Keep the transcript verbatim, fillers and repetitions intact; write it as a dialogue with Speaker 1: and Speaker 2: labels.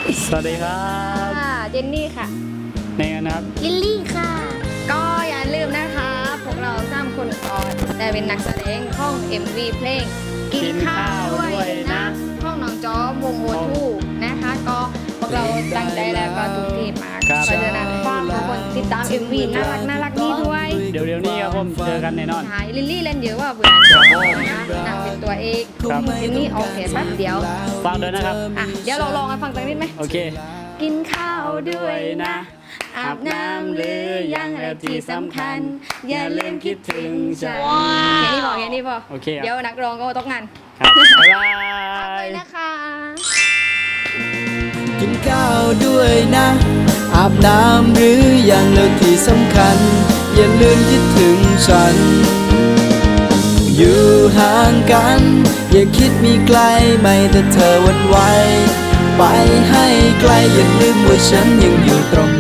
Speaker 1: สวัสดีครับ
Speaker 2: เจนนี่ค่ะ
Speaker 1: เนยนะครับ
Speaker 2: ลิลลี่ค่ะก็อย่าลืมนะคะพวกเราสามคนก่อนแต่เป็นนักแสดงห้อง เอ็ม วี เพลงกินข้าวด้วยนะห้องน้องจอวงโอทูนะคะก็พวกเราตั้งใจแล้วก็ทุกทีมาเพราะฉะนั้นฝากทุกคนติดตาม เอ็ม วี น่ารักน่ารักนี้ด้วย
Speaker 1: เดี๋ยวเดี๋ยวนี้ครับผมเจอกันแน่นอน
Speaker 2: ใช่ลิลลี่เล่นเยอะว่าเบื่อนะนางเป็นตัวเอกเจนนี่ออกแค่แป๊บเดียว
Speaker 1: ฟังด้วยนะครับ
Speaker 2: อ่ะเดี๋ยวเราลองกันฟังสักนิดไหม
Speaker 1: โอเค
Speaker 2: กินข้าวด้วยนะอาบน้ำหรือยังอะไรที่สำคัญอย่าลืมคิดถึงฉันแค่นี้พอแค่นี้พอ
Speaker 1: โอเค
Speaker 2: เดี๋ยวนักร้องก็ต้องงาน
Speaker 1: ครับบ๊ายบาย
Speaker 2: ไปนะคะ
Speaker 3: กินข้าวด้วยนะอาบน้ำหรือยังแล้วที่สำคัญอย่าลืมคิดถึงฉันอยู่ห่างกันอย่าคิดมีไกลไม่แต่เธอวันไหวไปให้ไกลอย่าลืมว่าฉันยังอยู่ตรง